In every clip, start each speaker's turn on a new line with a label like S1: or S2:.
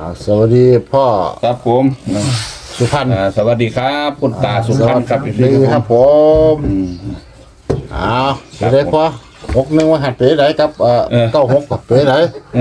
S1: สวัสดีพ่อ
S2: ครับผม
S1: สุพรรณ
S2: สวัสดีครับคุณตาสุพรรณครับ
S1: ดีครับผมจะได้พ่อ61ว่าหัดเป๋ไหนครับ96กับเป๋ไหน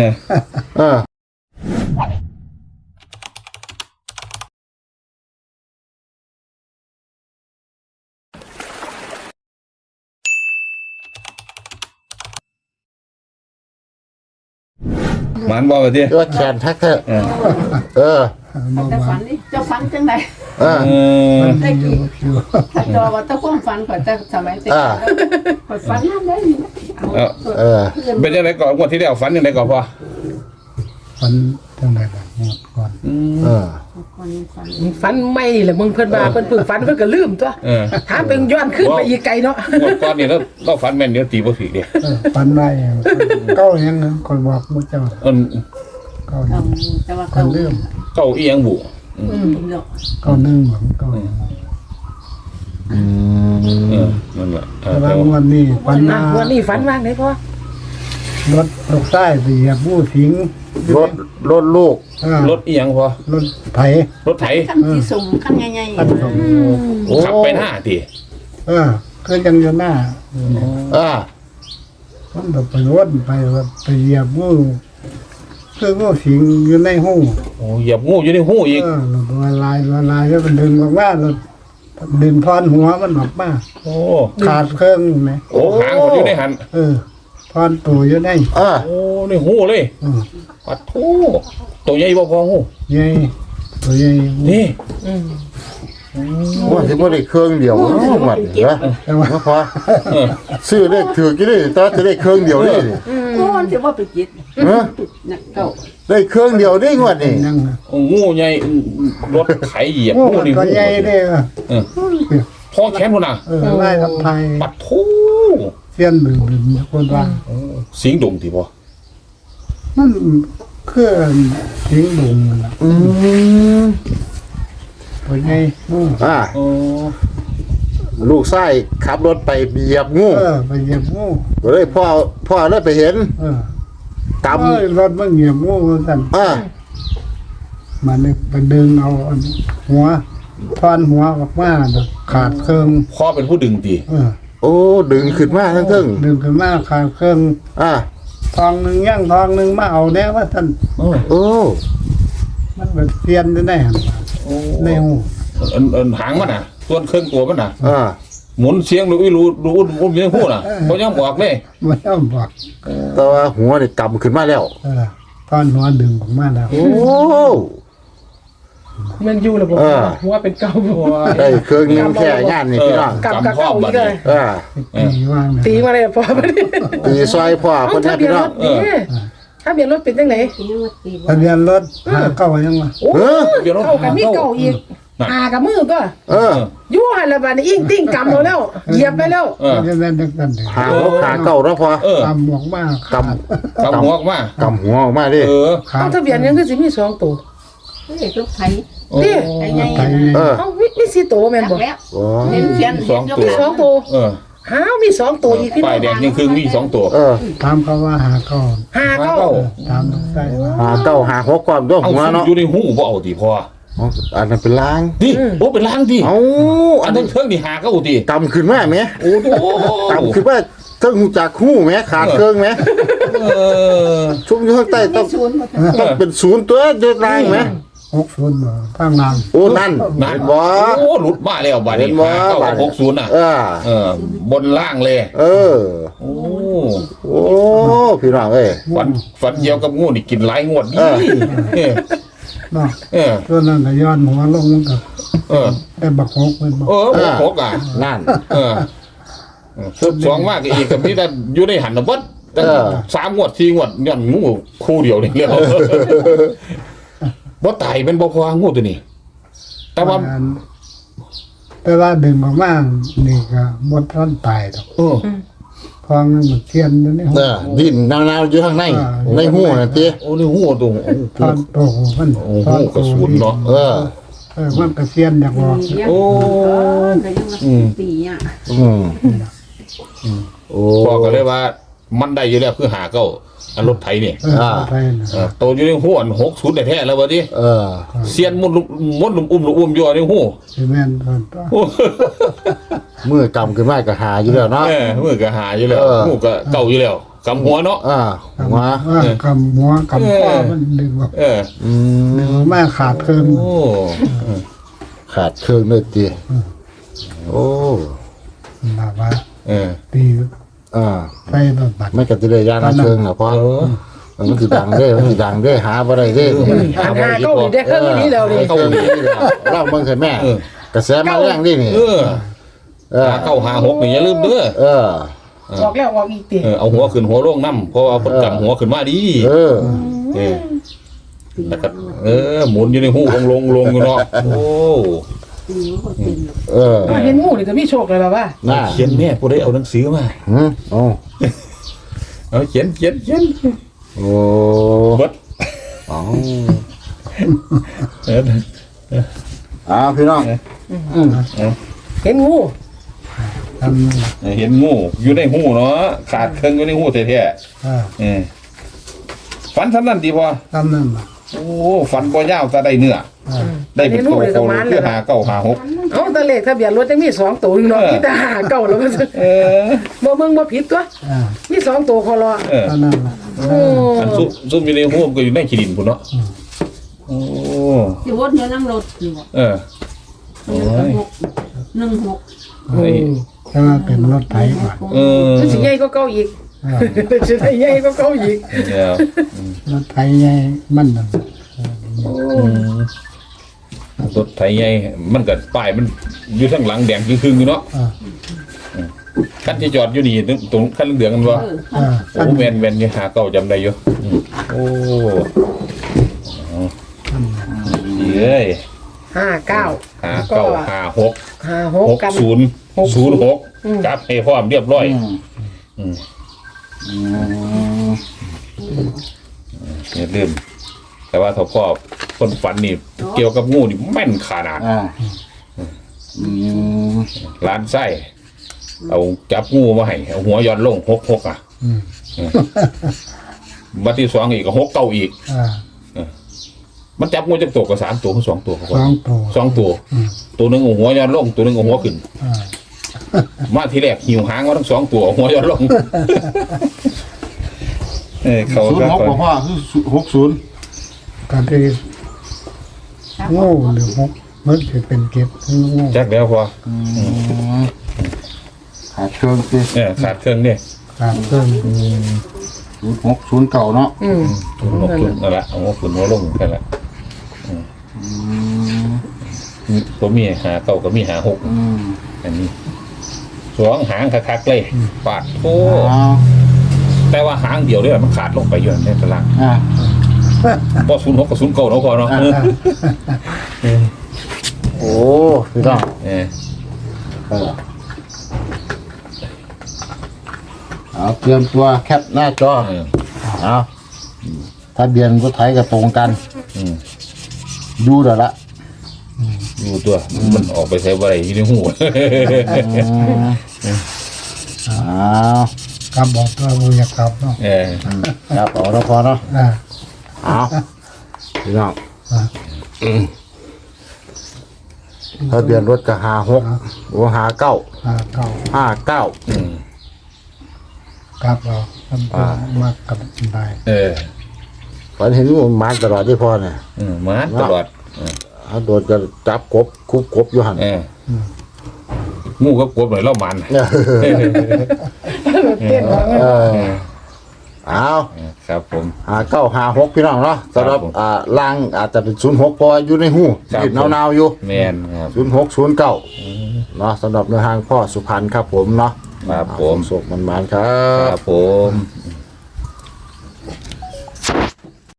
S2: มันบอกไปที่
S1: ว่าแขนแท็กเ
S3: จะฝันนี่จะฝันจังไดได้กี่ถ้าจอว่าถ้าความฝันก่อนจะสมัยเด็กก่อนฝันนั่นได้
S2: เป็นยังไงก่อนวันที่แล้วฝันยังไงก่อนพ่อ
S4: ฝันจังไดบ้างก่อน
S5: ฝันไม่แหละมึงเพิ่นว่าเพิ่นฝึกฝันเพิ่นก็ลืมตัวถามเป็นย้อนขึ้นไปอีกไกลเนาะ
S2: ก่อนนี่แล้วเราฝันแม่นเดี๋ยวตีบ่ผิดเด้
S4: ฝันได้เก้ายังคนบอกมื้อเจ้าเก้า
S3: แต่ว่าเก้า
S4: ลืม
S2: เก้าอีหยังบุ
S4: เก้า1ของเก้า
S2: นั่นแหละ
S4: แต่วันนี้ฝัน
S5: ฝันว่างไหนพ่อ
S4: รถตกใต้ไปเหยียบผู้สิง
S1: รถลูก
S2: รถอีหยังพ่อ
S4: รถไถ
S3: ขั้นที่สุ่มขั้นใหญ่
S2: ๆขับไปหน้าติ
S4: ก็ยังอยู่หน้ามันแบบไปวนไปเหยียบงูคืองูสิงอยู่ในหู
S2: เหยียบงูอยู่ในหูอีก
S4: ละลายแล้วมันดึงออกมาแล้วดึงพรหัวมันออกมาขาดเครื่องไหม
S2: หางอยู่ในหัน
S4: พรตัวอยู่ใน
S2: ในหูเลยปัดโธ่ตัวใหญ่บ่พอหู
S4: ใหญ่ตัวใหญ่
S2: นี่
S1: ว่าสิบ่ได้เครื่องเดียวหมดเหรอบ่พอซื้อเลขถือกี่ได้ตอนจะได้เครื่องเดียวนี่
S3: ก็สิว่าไปจิตเก้า
S1: ได้เครื่องเดียวได้งวดนี่
S2: งูใหญ่รถไถเหยียบงูนี่
S4: ตัวใหญ่เด้
S2: พอแขนพุ่นน่ะ
S4: ไล่ทำไทย
S2: ปัดโธ่
S4: เสี้ยนบึ้งคนว่า
S2: สิงดงติบ่
S4: มันคือสิงดงน่ะตัวใหญ่
S1: ลูกชายขับรถไปเหยียบงู
S4: ไปเหยียบงู
S1: ก็เลยพ่อเลยไปเห็น
S4: กำรถมันเหยียบงูสั่นมันไปดึงเอาหัวทอนหัวออกมาขาดเครื่อง
S2: พ่อเป็นผู้ดึงติ
S1: โอ้ดึงขึ้นมาทั้ง
S4: ดึงขึ้นมาขาดเครื่องทองหนึ่งย่างทองหนึ่งมาเอาแน่ว่าท่านมันแบบเตียนได้ในหู
S2: หางมันส่วนเครื่องตัวมันหมุนเสียงรู้เสียงหูเพราะยังบอกเลย
S4: มันยังบอก
S1: แต่ว่าหัวนี่กำขึ้นมาแล้ว
S4: ทอนหัวดึงออกมาแล้ว
S1: โอ้
S5: มันอยู่ระบบหัวเป็นเก้าหัว
S1: ได้เครื่องนึงแค่งานนี่พี่น้อง
S5: กำพ่อบัดนี้ตีมาเลยพ่อบัดนี้
S1: ตีซอยพ่อคนนี้พี่น้อง
S5: ถ้าเบียนรถเป็นจังไหน
S4: ทะเบียนรถเก้ายังวะ
S5: เก้ากับมีเก้าอีกกับมือก็ยู่หันละบาดนี้อิงติ้งกำเราแล้วเหยียบไปแล้ว
S1: หาเก้าแล้วพอก
S4: ำหัวมาก
S2: กำหัวมาก
S1: กำหัวออกมาดิ
S5: เอาทะเบียนยังคือสิมี2ตัว
S3: เด็กลูกไทย
S5: นี่เอามี4ตัวแม่นบ่
S3: เห็นเขียน
S5: 2ตัวมี2ตัวอีกพี่น้อง
S2: ป้ายแดงยังคือมี2ตัว
S4: ตามเขาว่าหาเก้าตามได้
S1: หาเก้าหา6ความด้วยหัวเนาะ
S2: อยู่ในหูบ่เอาติพ่อ
S1: อันนั้นเป็นล้าง
S2: ดิเป็นล้างดิอันนั้นเครื่องนี่หาเก้าติ
S1: กำขึ้นมาไหม
S2: โอ้โห
S1: กำขึ้นมาเครื่องจากหูไหมขาดเครื่องไหมชุ่มอยู่ข้างใต้ต้องเป็น0ตัวเดือดแรงไหม
S4: 60ข้างล่าง
S1: โอ้นั่นบ่
S2: โอ้หลุดมาแล้วบัดนี้60น่ะบนล่างเลย
S1: โอ้พี่น้องเอ้ย
S2: ฝันเกี่ยวกับงูนี่กินหลายงวดนี่
S4: ตัวนั้นก็ย้อนหัวลงมันก็ได้บักฮกเป็น
S2: บักฮก
S1: นั่น
S2: 2มากอีกกับที่อยู่ในหันน่ะบ่3งวด4งวดย้อนงูคู่เดียวนี่เรียกบ่ตายเป็นบ่พองูตัวนี้แต่
S4: ว่าดึงออกมานี่ก็บ่ทันตายดอกพองมันเทียนอยู่ในหู
S1: ดิ้นนาวๆอยู่ข้างในหูน่ะติ
S2: โอ้ในหูตรง
S4: ทอนโตมัน
S2: ทอนกระสุนเนาะ
S4: มันกระเทียนอยากบอก
S3: โอ้ตี
S2: โอ้พ่อก็เลยว่ามันได้อยู่แล้วคือหาเก้าอันรถไถนี่
S4: ไทยนะ
S2: โตอยู่ในหูอัน60แท้ๆแล้วบ่ดิเสียนมุดอุ้มอยู่ในหู
S4: ซีเมนต์ก่อนต่อ
S1: มือกำขึ้นมาก็หาอยู่แล้วเนาะ
S2: มือก็หาอยู่แล้วหูก็เก่าอยู่แล้วกำหัวเนาะ
S1: หัว
S4: กำหัวกำข้อมันดึงออก ดึงแม่ขาดเกิน
S2: โอ้
S1: ขาดเครื่องเลยตีโอ้
S4: แบบว่า ตี ไฟแบบบัด
S1: ไม่กัดจะเลยยานาเชิงนะเพราะมันคือดังได้มันคือดังได้หาบ่ได้ได้
S5: หาเก้าอีกได้เครื่องนี้แล้วนี่
S1: เข้านี่เล่าเบิ่งใส่แม่กระแสมาแรงนี่นี่
S2: เข้า56นี่อย่าลืมเด้อ
S5: ออกแล้วออกอีกติ
S2: เอาหัวขึ้นหัวลงน้ำเพราะเอาคนกำหัวขึ้นมาดีแล้วก็หมุนอยู่ในหูลงอยู่เนาะโอ้
S5: เห็นงูนี่จะมีโชคเลยล่ะว่า
S2: เขียนแม่ผู้ใดเอาหนังสือมาเอาเขียน
S1: โอ้
S2: บัด
S1: พี่น้อง
S5: เห็นงู
S2: เห็นงูอยู่ในหูเนาะขาดเครื่องอยู่ในหูแท้ๆฟันทำนั่นดีพอ
S4: ทำนั่น
S2: โอ้ฟันบ่ยาวแต่ได้เนื้อได้เป็นโตโตคือหาเก้าหาหก
S5: เอาตะเลขทะเบียนรถจังมี2ตัวนึงเนาะมีแต่หาเก้าแล้วก็บ่เบิ่งบ่ผิดตัวมี2ตัวคอรอ
S4: นั่น
S2: อันซุ่มอยู่ในหูก็อยู่ในขี้ดินพุ่นเนาะโอ้
S3: อยู่วนอยู่นั่งรถอยู่16
S4: ถ้าเป็นรถไถก่อน
S5: สิใหญ่ก็เก่าอีกสิใหญ่ก็เก่าอีก
S4: รถไถใหญ่มัน
S2: รถไถใหญ่มันก็ป้ายมันอยู่ข้างหลังแดงครึ่งๆอยู่เนาะคันที่จอดอยู่นี่ตรงคันเหลืองกันบ่โอ้แม่นๆนี่หาเก้าจำได้อยู่โอ้เอ้ย
S5: 59
S2: 59 56 จับให้พร้อมเรียบร้อยอย่าลืมแต่ว่าถ้าพ่อคนฝันนี่เกี่ยวกับงูนี่แม่นขนาดร้านไส้เอาจับงูมาให้เอาหัวย้อนลง6บัดที่2อีกก็6เก้าอีกมันจับงูจักตัวก็3ตัวคือ2ตัวครับ2ตัวตัวนึงเอาหัวย้อนลงตัวนึงเอาหัวขึ้นมาทีแรกหิวหางมาทั้ง2ตัวเอาหัวย้อนลงเขาก็
S1: พ่อคือ60
S4: ก็ได้งูหรือ6มันจะเป็นเก็บงู
S2: จักแล้วพอ
S1: ขาดเครื่องสิ
S2: ขาดเครื่องนี่
S4: ขาดเครื่อง
S1: 06เก่าเนาะ
S2: นั่นแหละเอาหัวขึ้นหัวลงแค่นั้นตัวมีหาเก่าก็มีหา6อันนี้2หางคักๆเลยปาดโอ้แต่ว่าหางเดียวเนี่ยมันขาดลงไปอยู่ในตารางพอ06กับ09เนาะพอเนาะ
S1: โอ้พี่น้องเอาเตรียมตัวแคปหน้าจอเอาทะเบียนรถไถก็ตรงกันดูเดี๋ยวละ
S2: ดูตัวมันออกไปใช้บ่ได้อยู่ในหู
S4: กลับบอกตัวมึงอยากกลับเนาะ
S1: ครับเอาแล้วพอเนาะเอาพี่น้องทะเบียนรถก็56โอ้59
S4: ครับเรามากกับได้
S1: ฝันเห็นมันมาตลอดที่พ่อเนี่ย
S2: มาตลอด
S1: โดนจะจับกบคุบกบอยู่หัน
S2: งูก็กบหน่อยเล่ามัน
S1: เอา
S2: ครับผม
S1: 5956พี่น้องเนาะสำหรับล่างอาจจะเป็น06พออยู่ในหูติดนาวๆอยู่
S2: แม่นครับ
S1: 0609เนาะสำหรับเนื้อหางพ่อสุพรรณครับผมเนาะ
S2: ครับผม
S1: สุขมันๆครับ
S2: ผม